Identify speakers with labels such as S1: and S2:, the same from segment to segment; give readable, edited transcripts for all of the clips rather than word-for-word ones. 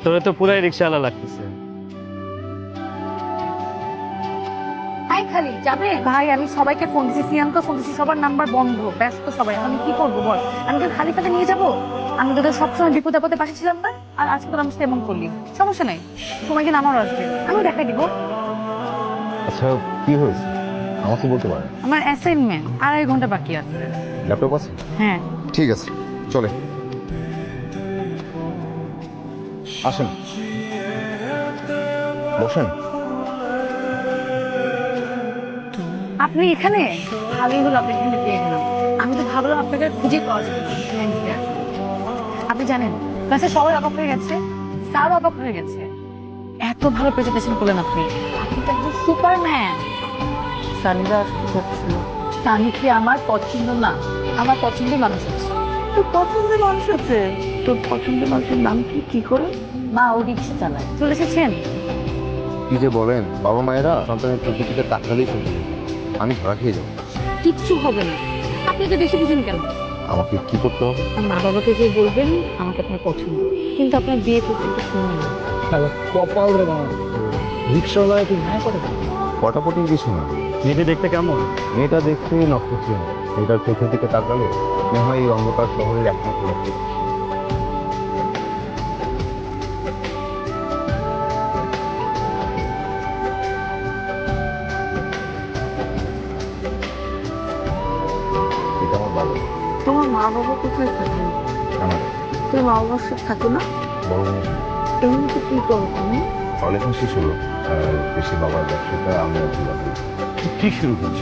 S1: তোরে তো পুরাই রিক্সাওয়ালা লাগতেছে।
S2: হাই খালি যাবে ভাই, আমি সবাইকে ফোন দিচ্ছি, সিয়ানকে ফোন দিচ্ছি, সবার নাম্বার বন্ধ, ব্যস্ত সবাই। আমি কি করবো বল? আমি তো খালি তাকে নিয়ে যাবো? আমি তোদের সবসময় বিপদ আপদে পাশে ছিলাম না, আর আজকে তোর আমার সাথে এমন করলি। সমস্যা নাই, সময় কিন্তু আমারও আসবে, আমিও দেখাই দিব।
S3: আচ্ছা, কি হয়েছে আমাকে বলতে পারেন?
S2: আমার অ্যাসাইনমেন্ট 2.5 ঘন্টা বাকি আছে।
S3: ল্যাপটপ আছে?
S2: হ্যাঁ।
S3: ঠিক আছে, চলে আসেন, বসেন।
S2: আপনি এখানে? ভালোই হলো আপনি এখানে পেয়ে গেলাম। আমি তো ভাবলাম আপনাকে আর খুঁজে পাওয়া যাবে না। আপনি জানেন ক্লাসে সবাই অবাক হয়ে গেছে, স্যারও অবাক হয়ে গেছে। এত ভালো প্রেজেন্টেশন করলেন আপনি, আপনি তো একজন সুপারম্যান। সানিরা আসতে যাচ্ছিল। সানি কি আমার পছন্দ না? আমার পছন্দের মানুষ আছে। তোর পছন্দের মানুষ আছে? তোর পছন্দের মানুষের নাম কি? কি করে? মা ও রিক্সা চালায়। চলে এসেছেন?
S3: কি যে বলেন, বাবা মায়েরা সন্তানের প্রকৃতিতে তাকালেই চলবে, আমি ধরা খেয়ে যাবো।
S2: কিচ্ছু হবে না, আপনি তো বেশি বুঝেন কেন?
S3: আমাকে কি করতে হবে?
S2: মা বাবাকে যে বলবেন আমাকে আপনার পছন্দ, কিন্তু আপনার বিয়ে করতে একটু সময় লাগবে।
S1: কপাল রে বাবা, রিক্সাওয়ালা একটু হ্যাঁ করে।
S3: পটাপটি কিছু না,
S1: মেয়েটা দেখতে কেমন?
S3: মেয়েটা দেখতে নক্ষত্র, মেয়েটার চোখের দিকে তাকালে মনে হয় এই অন্ধকার শহরের একমাত্র লক্ষ্য। এটা আমার বাবা।
S2: তোমার মা বাবা কোথায় থাকে?
S3: আমার
S2: তুমি মা বাবার সাথে থাকো না?
S3: বড় বোন
S2: এমনিতে কি করো তুমি?
S3: পড়ালেখা শেষ হলো, দেশে বাবার ব্যবসাটা আমি আর কি বাকি।
S1: ঠিক শুরু করছি।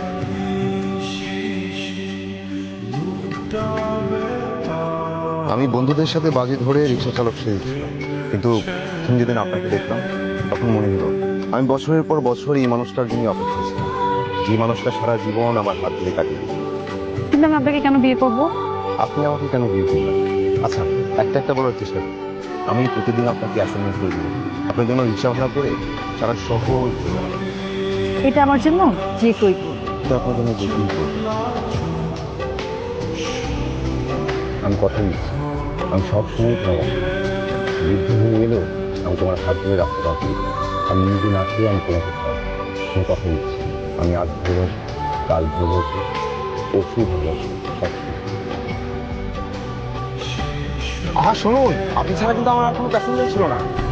S3: আমি বন্ধুদের সাথে বাজি ধরে রিক্সা চালক শিখেছিলাম, কিন্তু প্রথম যেদিন আপনাকে দেখলাম তখন মনে হলো আমি বছরের পর বছর এই মানুষটার জন্য অপেক্ষা ছিলাম, যে মানুষটা সারা জীবন আমার হাত ধরে কাটিয়ে দিয়েছে।
S2: কিন্তু আমি আপনাকে কেন বিয়ে করবো?
S3: আপনি আমাকে কেন বিয়ে করবেন? আচ্ছা, একটা একটা বলার চেষ্টা করুন। আমি প্রতিদিন আপনাকে অ্যাসাইনমেন্ট করে দেবো, আপনার জন্য রিক্সা ভাড়া করে সারা শহর ঘুরে বেড়াবো।
S2: এটা আমার জন্য যে কই করবো।
S3: তো আপনার জন্য যেতেই করবো। আমি কথা দিচ্ছি, আমি সবসময় তোমার পাশে আছি। যুদ্ধ হয়ে গেলেও আমি তোমার হাত ধরে রাখতে পারবো। আমি নিজে না খেয়ে আমি তোমাকে খাওয়াবো। আমি কথা দিচ্ছি, আমি আজ ভালোবাসি, কাল ভালোবাসি, পরশু ভালোবাসি, সব কিছু। শুনুন, আপনি ছাড়া কিন্তু আমার আর কোনো প্যাসেঞ্জার ছিল না।